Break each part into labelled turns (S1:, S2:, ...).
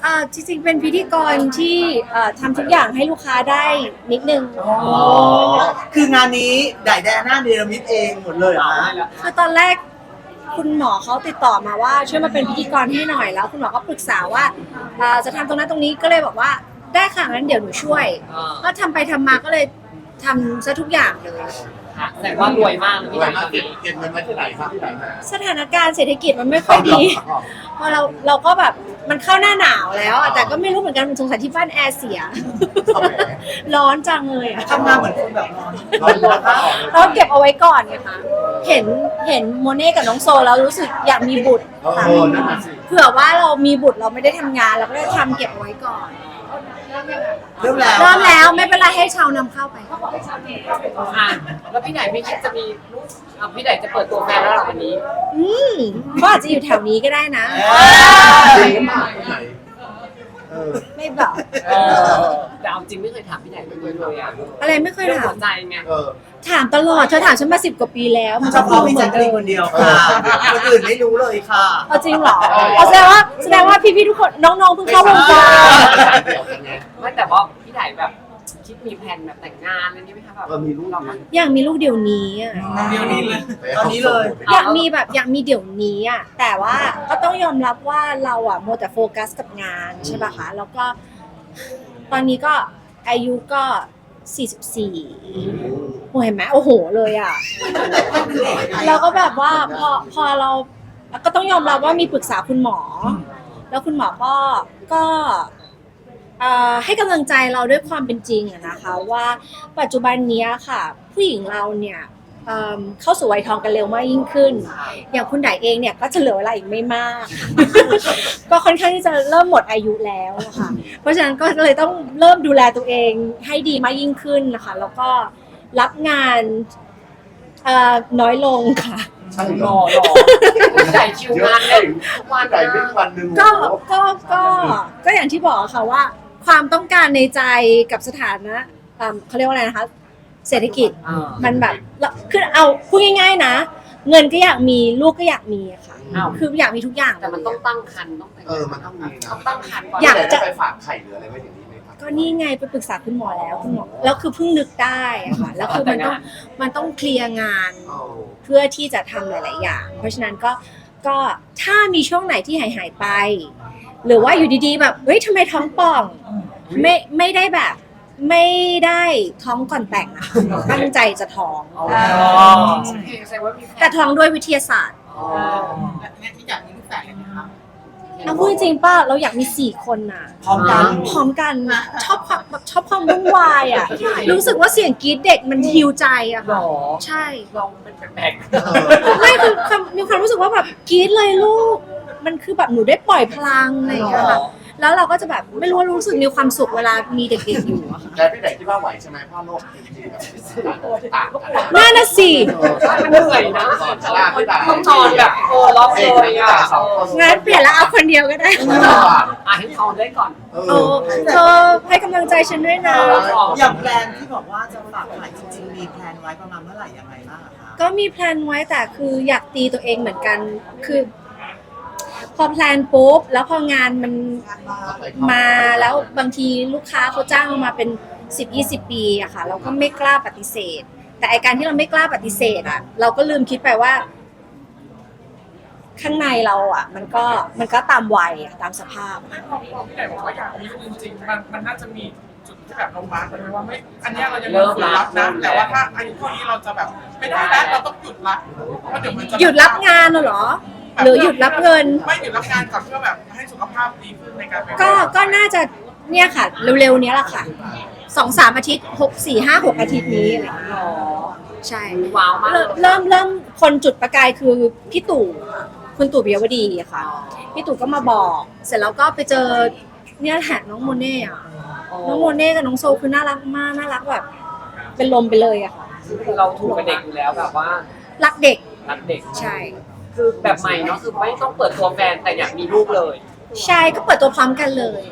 S1: จริงๆเป็นพิธีกรที่ทำทุกอย่างให้ลูกค้าได้นิดนึง
S2: คืองานนี้ไดแดน่าเนรมิตเองหมดเลยเหรอฮะ
S1: คือตอนแรกคุณหมอเขาติดต่อมาว่าช่วยมาเป็นพิธีกรให้หน่อยแล้วคุณหมอก็ปรึกษาว่าจะทำตรงนั้นตรงนี้ก็เลยบอกว่าได้ค่ะงั้นเดี๋ยวหนูช่วยก็ทำไปทำมาก็เลยทำซะทุกอย่างเลย
S3: แต่ว่ารวยมาก
S4: รวยมากเก็บเงินไว้ที่ไหนครับที่ไหน
S1: สถานการณ์เศรษฐกิจมันไม่ค่อยดีเพราะเราก็แบบมันเข้าหน้าหนาวแล้วแต่ก็ไม่รู้เหมือนกันสงสัยที่บ้านแอร์เสียร้อนจังเลย
S2: ทำงานเหมือนคนแบบ
S1: ร้อนเราเก็บเอาไว้ก่อนไงคะเห็นโมเน่กับน้องโซแล้วรู้สึกอยากมีบุตรค่ะเผื่อว่าเรามีบุตรเราไม่ได้ทำงานเราก็เลยทำเก็บเอาไว้ก่อน
S2: เริ่ม
S1: แล้วไม่เป็นไรให้ชาวนำเข้าไป
S3: แล้วพี่ไหนไม่คิดจะมีลูกพี่ไหนจะเปิดตัวแฟนแล้วหรอวันนี้
S1: ก็อาจจะอยู่แถวนี้ก็ได้นะไม่บอก
S3: แต่เอาจริงไม่เคยถามพี่ไหนเลย
S1: อะไรไม่เคยถาม
S3: ใจไง
S1: ถามตลอดเธอถามฉันมา10 กว่าปีแล้ว
S2: เฉพาะพี่แจ๊คคนเดียวค่ะคนอื่นไม่รู้เลยค่ะ
S1: จริงเหรอแสดงว่าพี่ๆทุกคนน้องๆเพิ่งเข้าวงการ
S3: ไม่แต่ว่าพี่ไหนแบบคิดมีแผนแบบแต่งงานอะไรนี้ไหมคะแบบ
S4: มีลูก
S1: อยากมีลูกเดี๋ยวนี้
S2: เดี๋ยวนี้เลยตอนนี้เลย
S1: อยากมีเดี๋ยวนี้แต่ว่าก็ต้องยอมรับว่าเราโมแต่โฟกัสกับงานใช่ป่ะคะแล้วก็ตอนนี้ก็อายุก็44โอ้เห็นไหมโอ้โหเลยแล้วก็แบบว่าพอเราก็ต้องยอมรับว่ามีปรึกษาคุณหมอแล้วคุณหมอก็ให้กำลังใจเราด้วยความเป็นจริงนะคะว่าปัจจุบันนี้ค่ะผู้หญิงเราเนี่ยเข้าสู่วัยทองกันเร็วมากยิ่งขึ้นอย่างคุณไดเองเนี่ยก็จะเหลือเวลาอีกไม่มาก ก็ค่อนข้างที่จะเริ่มหมดอายุแล้วค่ะเพราะฉะนั้นก็เลยต้องเริ่มดูแลตัวเองให้ดีมากยิ่งขึ้นนะคะแล้วก็รับงานน้อยลงค่ะ
S3: รอใส่คิวงานเลย
S4: วันไหนเป็นวันหนึ่ง
S1: ก็อย่างที่บอกค่ะว่าความต้องการในใจกับสถานะเขาเรียกว่าอะไรนะคะเศรษฐกิจมันแบบคือเอาพูดง่ายๆนะเงินก็อยากมีลูกก็อยากมีค่ะคืออยากมีทุกอย่าง
S3: แต่มันต้องตั้งครรภ์
S4: มันต้องมีนะ
S3: ตั้งครรภ์
S4: อยากจะไปฝากไข่หรืออะไรไว้อย่างนี้ไหมครับ
S1: ก็นี่ไงไปปรึกษาคุณหมอแล้วคุณหมอแล้วคือเพิ่งนึกได้ค่ะแล้วคือมันต้องเคลียร์งานเพื่อที่จะทำหลายๆอย่างเพราะฉะนั้นก็ถ้ามีช่วงไหนที่หายไปหรือว่าอยู่ดีๆแบบเฮ้ยทำไมท้องป่องไม่ได้แบบไม่ได้ท้องก่อนแต่งนะตั้งใจจะท้องแต่ท้องด้วยวิทยาศาสตร์
S2: ที่อยากมีลูกแฝดเลยนะคะ
S1: เอาพูดจริงป่ะเราอยากมี4 คนน่ะพร้อมกันชอบความวุ่นวายรู้สึกว่าเสียงกรี๊ดเด็กมันฮิวใจค่ะใช่
S3: เราเป็นแปลก
S1: ไม่คือมีความรู้สึกว่าแบบกรี๊ดเลยลูกมันคือแบบหนูได้ปล่อยพลังอะไรอย่างเงี้ยค่ะแล้วเราก็จะแบบไม่รู้สึกมีความสุขเวลามีเด็กๆอยู่อะค่ะ
S4: แต่พี่ไหนคิดว่าไหวใช่ไหมพ่อโลกจริงๆแบบ
S1: น่าน่ะสิ
S3: มันเหนื่อยนะต้องนอนแบบล็อกเลย
S1: งั้นเปลี่ยนแล้วเอาคนเดียวก็ได้
S3: ให้เขาได้ก่อน
S1: เธอให้กำลังใจฉันด้วยนะ
S2: อย่างแพลนที่บอกว่าจะฝากไข่จริงๆมีแพลนไว้ประมาณเมื่อไหร่ยังไงบ้างคะ
S1: ก็มีแพลนไว้แต่คืออยากตีตัวเองเหมือนกันคือพอแพลนปุ๊บแล้วพองานมันมาแล้วบางทีลูกค้าเขาจ้างมาเป็น10-20 ปีอะค่ะเราก็ไม่กล้าปฏิเสธแต่ไอการที่เราไม่กล้าปฏิเสธเราก็ลืมคิดไปว่าข้างในเรามันก็ตามวัยตามสภาพ
S5: พี่ไหนบอกว่าอยากมีจริงๆมันน่าจะมีจุดที่แบบลงมาเลยว่าไม่อันนี้เรายังไม่ควรรับนะแต่ว่าถ้าอายุเท่านี้เราจะแบบไม่ได้แล้วเราต้องหยุดละเพราะเดี๋ยวมันจะ
S1: หยุดรับงานเหรอหรือหยุดรับเงิน
S5: ไม่หยุดรับงานก่อนเพื่อแบบให้สุขภาพดีขึ้นในการ
S1: ก็น่าจะเนี่ยค่ะเร็วๆนี้แหละค่ะ2-3 อาทิตย์4-5-6 อาทิตย์นี้อะไรอย่างเงี้ยใช่
S3: ว้าวมาก
S1: เริ่มคนจุดประกายคือพี่ตู่คุณตู่ปิยวดีค่ะพี่ตู่ก็มาบอกเสร็จแล้วก็ไปเจอเนี่ยแหละน้องโมเน่น้องโมเน่กับน้องโซคือน่ารักมากน่ารักแบบเป็นลมไปเลยอะค่ะ
S3: เราถูกกับเด็กอยู่แล้วแบบว่า
S1: รักเด็กใช่
S3: คือแบบใหม่เนาะคือไม่ต้องเปิดตัวแฟนแต่อยากมีลูกเลย
S1: ใช่ก็เปิดตัวพร้อมกันเลย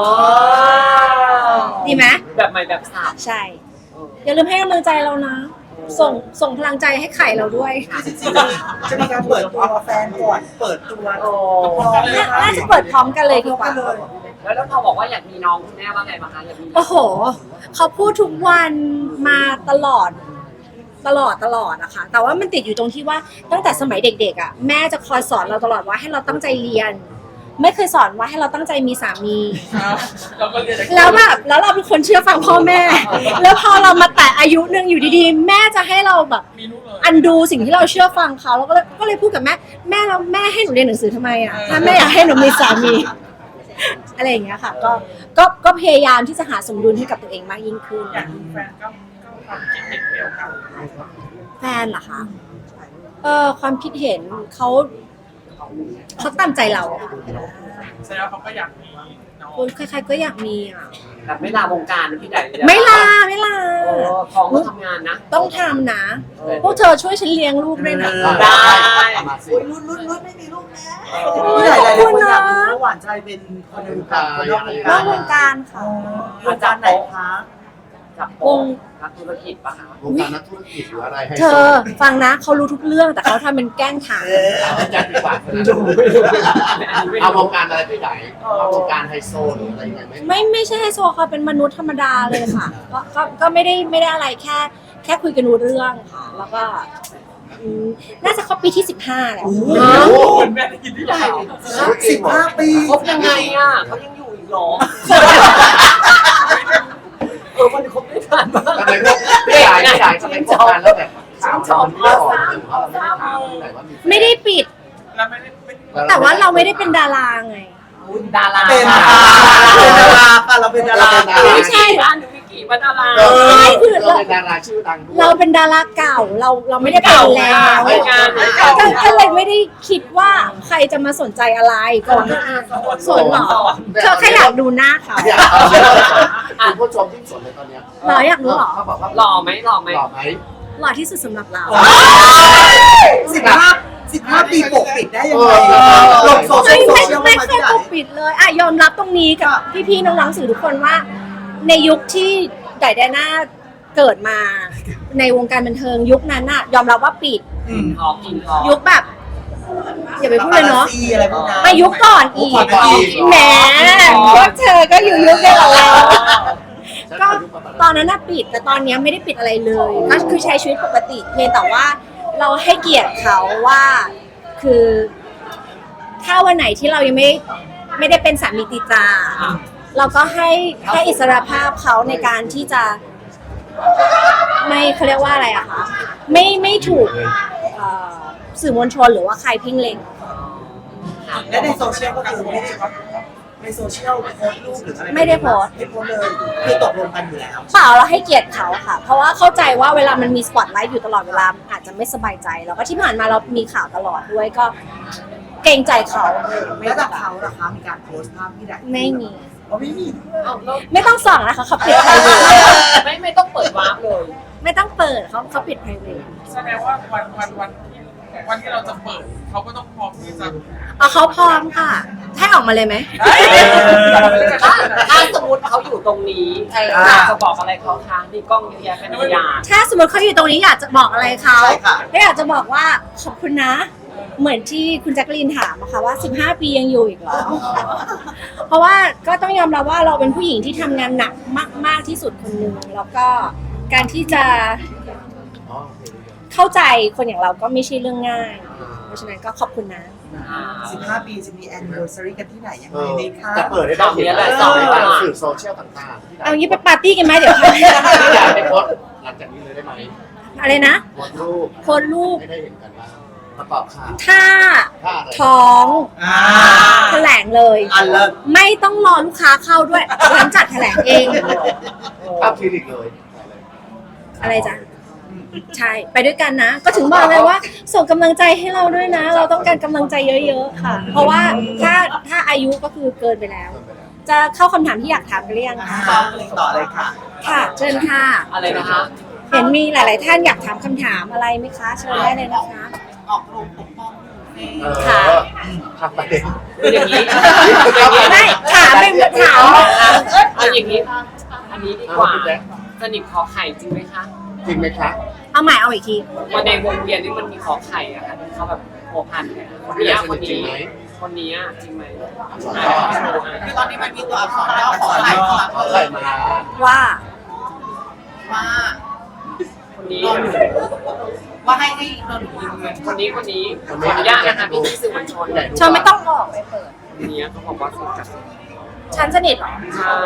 S1: ดีไหม
S3: แบบใหม่แบบสาว
S1: ใช่อย่าลืมให้กำลังใจเรานะส่งพลังใจให้ไข่เราด้วย
S2: จะมีการเปิดตัวแฟนก่อนเปิดตัว
S1: น่าจะเปิดพร้อมกันเลยดีกว่า
S3: แล้วพอบอกว่าอยากมีน้องคุณแม่ว่าไงบ้างคะอยากมี
S1: โอ้โห เขาพูดทุกวันมาตลอดอะค่ะแต่ว่ามันติดอยู่ตรงที่ว่าตั้งแต่สมัยเด็กๆอะแม่จะคอยสอนเราตลอดว่าให้เราตั้งใจเรียน ไม่เคยสอนว่าให้เราตั้งใจมีสามี
S5: เราก็เรียน
S1: แล้วแบบแล้วเราเป็นคนเชื่อฟังพ่อแม่ แล้วพอเรามาแตะอายุหนึ่งอยู่ดีๆ แม่จะให้เราแบบ
S5: มีลูกเลย
S1: อันดูสิ่งที่เราเชื่อฟังเขาแล้วก็เลยพูดกับแม่แล้วแม่ให้หนูเรียนหนังสือทำไมอ่ะถ้าแม่อยากให้หนูมีสามี อะไรอย่างเงี้ยค่ะก็พยายามที่จะหาสมดุลให้กับตัวเองมากยิ่งขึ้น
S5: อยากมีแฟนก็ความคิดเห็นเดียวกัน
S1: แฟนเหรอคะความคิดเห็นเขาตามใจเราอะ
S5: แสดงว่าเขาก็อยากมีน้อง
S1: คนใครๆก็อยากมีอ่ะ
S3: แบบไม่ลาวงการนะพี่ใหญ่
S1: ไม่ลา
S3: ท้องก็ทำงานนะ
S1: ต้องทำนะ พวกเธอช่วยฉันเลี้ยงลูกด้วยนะ
S3: ได้
S4: มาสิ
S2: อุ้ยรุ่นไม่มีลูกแล้วพี่ใหญ่หลายๆคนอยากรู้ว่าหวานใจเป็นคนในวงการคนนอกวง
S1: น
S2: กา
S1: อ
S2: ร
S1: กวงการค่ะ
S2: วงการไหนคะ
S3: จับโป๊ะนักธุรกิจปะคะ
S4: วงการนักธุรกิจหรืออะไรให้
S1: เธอฟังนะเขารู้ทุกเรื่องแต่เขาทำเป็นแกล้งถาม
S4: อาจารย์ดีกว่าเอาวงการอะไรพี่ไหนเอาวงการไฮโซหรืออะไรยังไงไหม
S1: ไม่ใช่ไฮโซเขาเป็นมนุษย์ธรรมดาเลยค่ะ ก็ไม่ได้อะไรแค่คุยกันรู้เรื่องค่ะ แล้วก็น่าจะเข้าปีที่ 15 แล้ว
S5: คุณแม่ได้ยินที่เรา
S2: 15 ปี
S3: คบยังไงอ่ะเขายังอยู่อีกหรอมันคบได้นานมาก
S4: ทำไมพวกพี่ใหญ่ทำไมพวกการแล้วแบบข่าวมันไม่ออกหรือว่าเราไม่ได้ถามพี่ไหนว่ามี
S1: ไม่ได้ปิด
S5: แล้วไม่ได้
S1: แต่ว่าเราไม่ได้เป็นดาราไง
S3: ดารา
S2: เป็นดาราค่ะเราเป็นดารา
S1: ไม่ใช่
S3: ร้านหนูมีกี่ว่าดารา
S1: ไม่คือ
S4: เราเป็นดาราชื่อดังด้วย
S1: เราเป็นดาราเก่าเราไม่ได้เป็นแล้ว
S3: ไม่งานไม่
S1: ก็เลยไม่ได้คิดว่าใครจะมาสนใจอะไรก่อนสนเหรอเธอแค่อยากดูหน้าเขา
S4: อยากเอาเรื่องคุณผู้ชมที่สนเลยตอนเนี้ย
S1: เหรออยากรู้เหรอ
S4: เขาบอกว่า
S3: หล่อไหมหล่อไหม
S4: หล่อไหม
S1: หล่อที่สุดสำหรับเรา
S2: 15 ปีปกปิดได้ยังไงลงโซเชีย
S1: ไม่
S2: ล
S1: ไม่
S2: มา
S1: เค
S2: ที่
S1: ย
S2: ไหน
S1: ปกปิดเลยอ่ะยอมรับตรงนี้กับพี่ๆน้องๆสื่อทุกคนว่า ในยุคที่ไดแดน่าเกิดมาในวงการบันเทิงยุคนั้นน่ะยอมรับว่าปิด
S3: ท้องกินท้อง
S1: ยุคแบบอย่าไปพูดเลยเนาะ
S2: อะไรพวกนั้น
S1: มายุคก่อนอีกแหมพวกเธอก็อยู่ยุคเดียวกับเราก็ตอนนั้นน่ะปิดแต่ตอนนี้ไม่ได้ปิดอะไรเลยก็คือใช้ชีวิตปกติเพียงแต่ว่าเราให้เกียรติเขาว่าคือถ้าวันไหนที่เรายังไม่ได้เป็นสามีติจาเราก็ให้อิสรภาพเขาในการที่จะไม่เขาเรียกว่าอะไรอะคะไม่ถูกสื่อมวลชนหรือว่าใครเพ่งเล็ง
S2: และในโซเชียลก็คือไม่ได้ในโซเชียลโพสต์รูปหรืออะไร
S1: ไม่ได้โพสต์
S2: ไม่โพสต์เลยคือตกลงกันอยู่แล้ว
S1: เปล่าเราให้เกียรติเขาค่ะ เพราะว่าเข้าใจว่าเวลามันมีสปอตไลท์อยู่ตลอดเวลาอาจจะไม่สบายใจแล้วก็ที่ผ่านมาเรามีข่าวตลอดด้วยก็เกรงใจเขา
S2: แล้วจากเขาล่ะคะมีการโพสต์ภาพที่ไหน
S1: ไม่มี
S2: ไม่มี
S1: ไม่ต้องส่องนะคะเขาปิดไพรเวท
S3: ไม่ต้องเปิดวาร์ปเลย
S1: ไม่ต้องเปิดเขาปิดไพรเวท
S5: แสดงว่าวันที่เราจะเปิดเขาก็ต้องพร้อมที่จะ
S1: เอาเขาพร้อมค่ะให้ออกมาเลยไหม
S3: ถ้าสมมติเขาอยู่ตรงนี้อยากจะบอกอะไรเขาคะมีกล้องเยอะแยะเป็นพยาน
S1: ถ้าสมมติเขาอยู่ตรงนี้อยากจะบอกอะไรเขาก็อยากจะบอกว่าขอบคุณนะ เหมือนที่คุณแจ็คลีนถามอะค่ะว่า15 ปียังอยู่อีกเหรอ เพราะว่าก็ต้องยอมรับว่าเราเป็นผู้หญิงที่ทำงานหนักมากที่สุดคนหนึ่งแล้วก็การที่จะ
S4: อ๋อ
S1: เข้าใจคนอย่างเราก็ไม่ใช่เรื่องง่าย เพราะฉะนั้นก็ขอบคุณนะ
S2: 15 ปีจะมี anniversary กันที่ไหนยังไงดีคะ
S4: จะเปิดให้ได้เห็นอะไรสื่อโซเชียลต่างๆ
S1: เอางี้ไปปาร์ตี้กันไหมเดี๋ยวค่ะ
S4: ที่อยากให้โพสต์หลังจากนี้เลยได้ไหม
S1: อะไรนะ
S4: โพสต์รูป
S1: โพสต์รูป
S4: ให้ได้เห็นกันบ้างประกอบข่าว
S1: ถ้า
S4: ถ้าอะไร
S1: ท้องแถลงเลย
S2: อันเลิศ
S1: ไม่ต้องรอลูกค้าเข้าด้วยฉันจัดแถลงเอง
S4: ภาพคลินิกเลย
S1: อะไรจ๊ะ ใช่ไปด้วยกันนะ ก็ถึงบอกเลยว่า ส่งกำลังใจให้เราด้วยนะ เราต้องการกำลังใจเยอะๆค่ะ เพราะว่าถ้าอายุก็คือเกินไปแล้ว จะเข้าคำถามที่อยากถามกันหรือยังคะ
S2: ต่อเลยค่ะ
S1: ค่ะเชิญค่ะ
S3: อะไรนะคะ
S1: เห็นมีหลาย ๆ ท่านอยากถามคำถามอะไรไหมคะเชิญได้เลยนะคะ
S2: ออกโรงปกป้อง
S4: ทำประเด็น
S3: อย่างนี้
S1: ไม่ถามเป็นถาม
S3: เอาอย่างนี้อันนี้ดีกว่าสนิทขอไข่จริงไหมคะ
S4: จริงไหมคะ
S1: เอาใหม่เอาอีกที
S3: วันในวงเวียนนี่มันมีขอไข่อะค่ะที่เขาแบบโผพันกันคนนี้คน
S4: จริง
S3: นี้
S4: ไหม
S3: คนนี้อะจริงไหม
S2: คือตอนนี้มันมีตัวอักษรย่อขออะไรมา
S4: เอาใส่มา
S1: ว่า
S2: ว่า
S3: คนนี้
S2: ว่าให้โดนยืมเงิน
S3: คนนี้ขออนุญาตนะคะพี่สื่อมวลชน
S1: เธอไม่ต้องออกไปเปิด
S3: คนนี้เขาบอกว่าสนิทกับ
S1: ฉันสนิทเหรอ
S3: ใช่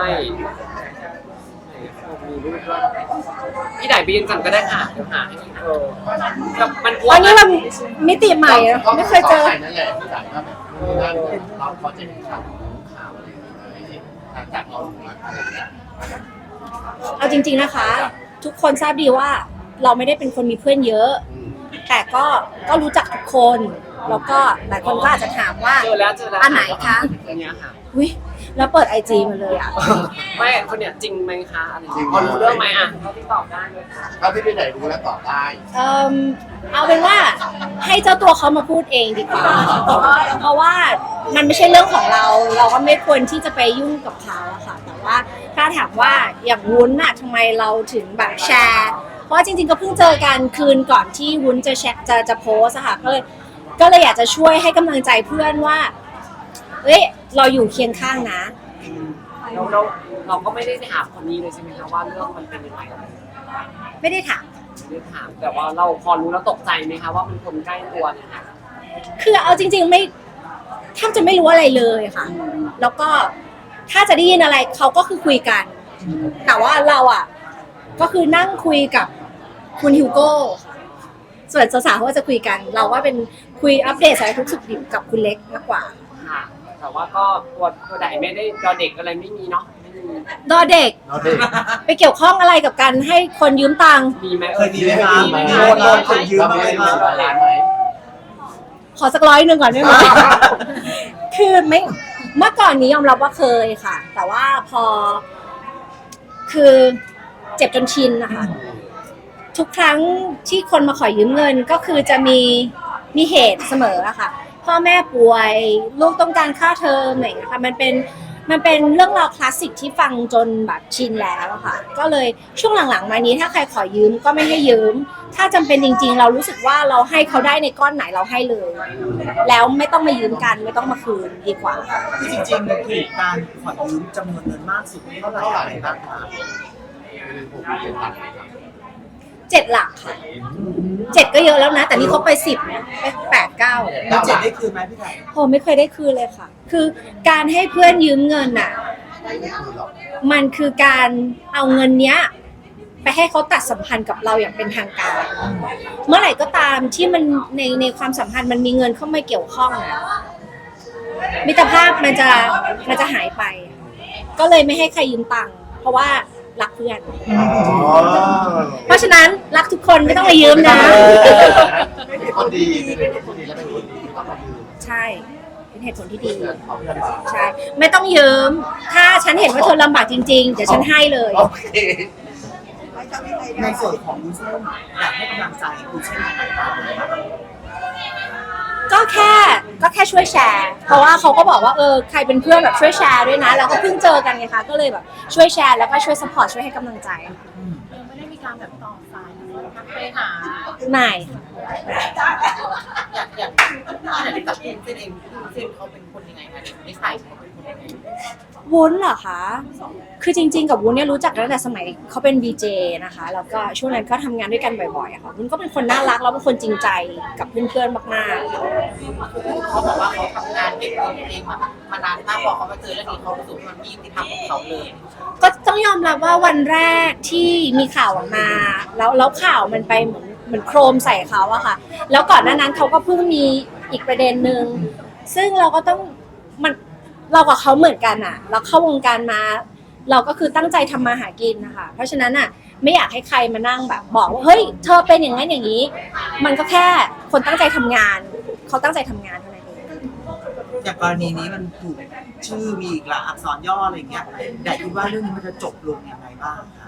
S3: มีรูปด้วยพี่ไหนไปยืนกันก็ได้ค่ะเดี๋ยวหาให้แบบมันกลัว
S1: อันนี้มันมิติใหม่อะไม่เคยเจอ
S4: ใส่นั่นแหละที่ไหนก็แบบนั่นเราพอจะเห็นข่าวอะไรอย่างเงี้ยจากเราอะไรอย่างเงี้ย
S1: เอาจริงๆนะคะ ทุกคนทราบดีว่าเราไม่ได้เป็นคนมีเพื่อนเยอะ แต่ก็รู้จักทุกคน แล้วก็หลายคนก็อาจจะถามว่า
S3: เจอแล้ว
S1: อันไหนคะ
S3: อันเนี้ยค่ะ
S1: อุ้ยแล้วเปิดไอจีมาเลยอ่ะ
S3: ไม่คนเนี้ยจริงไหมคะอะไรพอรู้เรื่องไหมอ่ะเขาที่ตอบได้เลยค่ะ
S4: ถ้าที่พี่ไหนรู้แล้วตอบได้
S1: เอาเป็นว่าให้เจ้าตัวเขามาพูดเองดีกว่า เพราะว่ามันไม่ใช่เรื่องของเรา เราก็ไม่ควรที่จะไปยุ่งกับเขาอะค่ะ แต่ว่าถ้าถามว่าอย่างวุ้นอะทำไมเราถึงแบบแชร์ เพราะว่าจริงๆก็เพิ่งเจอกันคืนก่อนที่วุ้นจะแชร์จะโพสอะค่ะก็เลยอยากจะช่วยให้กำลังใจเพื่อนว่าเอ้ยเราอยู่เคียงข้างนะ
S3: เราก็ไม่ได้ถามคนนี้เลยใช่ไหมคะว่าเรื่องมันเป็นยังไง
S1: ไม่ได้ถาม
S3: ไม่ได้ถามแต่ว่าเราพอรู้แล้วตกใจไหมคะว่ามันคนใกล้ตัวเนี่ยค่ะ
S1: คือเอาจริงๆไม่แทบจะไม่รู้อะไรเลยค่ะ แล้วก็ถ้าจะได้ยินอะไรเขาก็คือคุยกัน แต่ว่าเราอ่ะก็คือนั่งคุยกับคุณฮิวโก้ส่วนสาวๆเขาก็จะคุยกัน เราว่าเป็นคุยอัปเดตสารทุกข์สุขดิบกับคุณเล็กมากกว่า
S3: ค่ะ แต่ว่าก็ตัวใดไม่ได้ตัวเด็กอะไรไม่มีเนาะไม่มี
S1: ดอเด็ก
S4: เราเด็ก
S1: ไปเกี่ยวข้องอะไรกับการให้คนยืมตังค์
S3: มีไหม
S2: เคยมีไหมคะโดนคนยืมมาไหมคะ
S4: ร้านไหม
S1: ขอสัก100ก่อนได้ไหม คือไม่เมื่อก่อนนี้ยอมรับว่าเคยค่ะ แต่ว่าพอคือเจ็บจนชินนะคะ ทุกครั้งที่คนมาขอยืมเงินก็คือจะมีเหตุเสมออะค่ะ พ่อแม่ป่วยลูกต้องการค่าเทอมอะไรอย่างเงี้ยค่ะมันเป็นเรื่องราวคลาสสิกที่ฟังจนแบบชินแล้วอะค่ะ ก็เลยช่วงหลังๆมานี้ถ้าใครขอยืมก็ไม่ให้ยืม ถ้าจำเป็นจริงๆ เรารู้สึกว่าเราให้เขาได้ในก้อนไหนเราให้เลย แล้วไม่ต้องมายืมกันไม่ต้องมาคืนดีกว่า
S2: คือจริงๆคือการขอยืมจำนวนเงินมากสุดเท่าไหร่อะไรบ้างคะ
S4: ผมเรียนตัดครับ
S1: 7 หลักค่ะ7ก็เยอะแล้วนะ แต่นี่เขาไป10นะไป8 9
S2: แล้วเจ็ดได้คืนไหมพี่ไก่
S1: โหไม่เคยได้คืนเลยค่ะ คือการให้เพื่อนยืมเงินน่ะ มันคือการเอาเงินเนี้ยไปให้เขาตัดสัมพันธ์กับเราอย่างเป็นทางการ เมื่อไหร่ก็ตามที่มันในความสัมพันธ์มันมีเงินเข้ามาเกี่ยวข้องอะมิตรภาพมันจะหายไป ก็เลยไม่ให้ใครยืมตังค์เพราะว่ารักเพื่อน เพราะฉะนั้นรักทุกคนไม่ต้องมายืมนะ
S4: เป็นคนดีเป็นคนดีและเป็นคนดีไม่ต้องมายืม
S1: ใช่เป็นเหตุผลที่ดี
S4: เพื่อนเอาเพื่อนมา
S1: ใช่ ไม่ต้องยืม ถ้าฉันเห็นว่าเธอลำบากจริงๆ เดี๋ยวฉันให้เลย
S4: โอเค
S2: ในส่วนของวุ้นเส้นอยากให้กำลังใจวุ้นเส้นยังไงบ้างคะ
S1: ก็แค่ช่วยแชร์ เพราะว่าเขาก็บอกว่าใครเป็นเพื่อนแบบช่วยแชร์ด้วยนะ แล้วก็เพิ่งเจอกันไงคะ ก็เลยแบบช่วยแชร์แล้วก็ช่วยซัพพอร์ตช่วยให้กำลังใจค่ะ
S6: ไม่ได้มีการแบบต่อสายทักไปหา
S1: ไม่ค่ะ
S6: อยากจับเส้นเองเส้นเขาเป็นคนยังไงคะนิสัยเขาเป็นคนยังไง
S1: วุ้นเหรอคะ คือจริงๆกับวุ้นเนี่ยรู้จักตั้งแต่สมัยเขาเป็น VJ นะคะ แล้วก็ช่วงนั้นก็ทำงานด้วยกันบ่อยๆอะค่ะวุ้นก็เป็นคนน่ารักแล้วเป็นคนจริงใจกับเพื่อนๆมากๆค่ะ
S6: เขาบอกว่าเขาทำงานเก็บเงินเองมานานมากพอเขามาเจอเรื่องนี้เขารู้สึกมันมียุติธรรมของเขาเลย
S1: ก็ต้องยอมรับว่าวันแรกที่มีข่าวออกมาแล้วข่าวมันไปเหมือนโครมใส่เขาอะค่ะ แล้วก่อนหน้านั้นเขาก็เพิ่งมีอีกประเด็นหนึ่งซึ่งเราก็ต้องเรากับเขาเหมือนกันอะเราเข้าวงการมา เราก็คือตั้งใจทำมาหากินนะคะเพราะฉะนั้นอะไม่อยากให้ใครมานั่งแบบบอกว่าเฮ้ยเธอเป็นอย่างนั้นอย่างนี้ มันก็แค่คนตั้งใจทำงานเขาตั้งใจทำงานเท่านั้นเอง
S2: อย่างกรณีนี้มันถูกชื่อมีอีกหลายอักษรย่ออะไรอย่างเงี้ยแต่คิดว่าเรื่องนี้มันจะจบลงยังไงบ้างคะ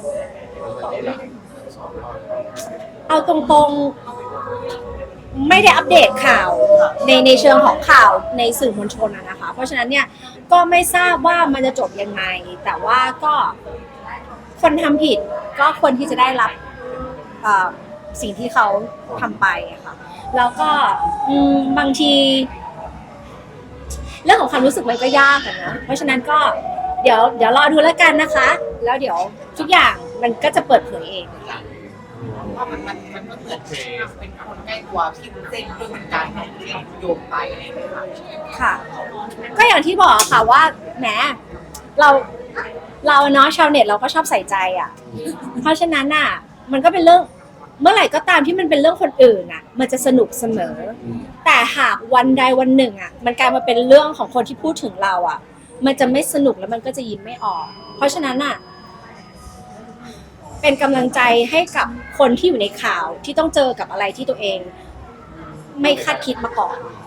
S1: เอาตรงๆไม่ได้อัปเดตข่าวในเชิงของข่าวในสื่อมวลชนนะคะเพราะฉะนั้นเนี่ยก็ไม่ทราบว่ามันจะจบยังไงแต่ว่าก็คนทำผิดก็ควรที่จะได้รับสิ่งที่เขาทำไปค่ะแล้วก็บางทีเรื่องของความรู้สึกมันก็ยากอะนะเพราะฉะนั้นก็เดี๋ยวรอดูแล้วกันนะคะ แล้วเดี๋ยวทุกอย่างมันก็จะเปิดเผยเอง
S6: ว่ามันก็เหมือนเป็นคนใกล้ตัวพี่วุ้นเส้นด้วยเหมือนกันที่โยงไปอะไรอย่างเงี้ยค่ะ
S1: ค่ะ ก็อย่างที่บอกค่ะว่าแหมเราเนาะชาวเน็ตเราก็ชอบใส่ใจอ่ะ เพราะฉะนั้นอ่ะมันก็เป็นเรื่องเมื่อไหร่ก็ตามที่มันเป็นเรื่องคนอื่นอ่ะ มันจะสนุกเสมอ แต่หากวันใดวันหนึ่งอ่ะ มันกลายมาเป็นเรื่องของคนที่พูดถึงเราอ่ะ มันจะไม่สนุกแล้วมันก็จะยิ้มไม่ออก เพราะฉะนั้นอ่ะ เป็นกำลังใจให้กับคนที่อยู่ในข่าวที่ต้องเจอกับอะไรที่ตัวเอง ไม่คาดคิดมาก่อน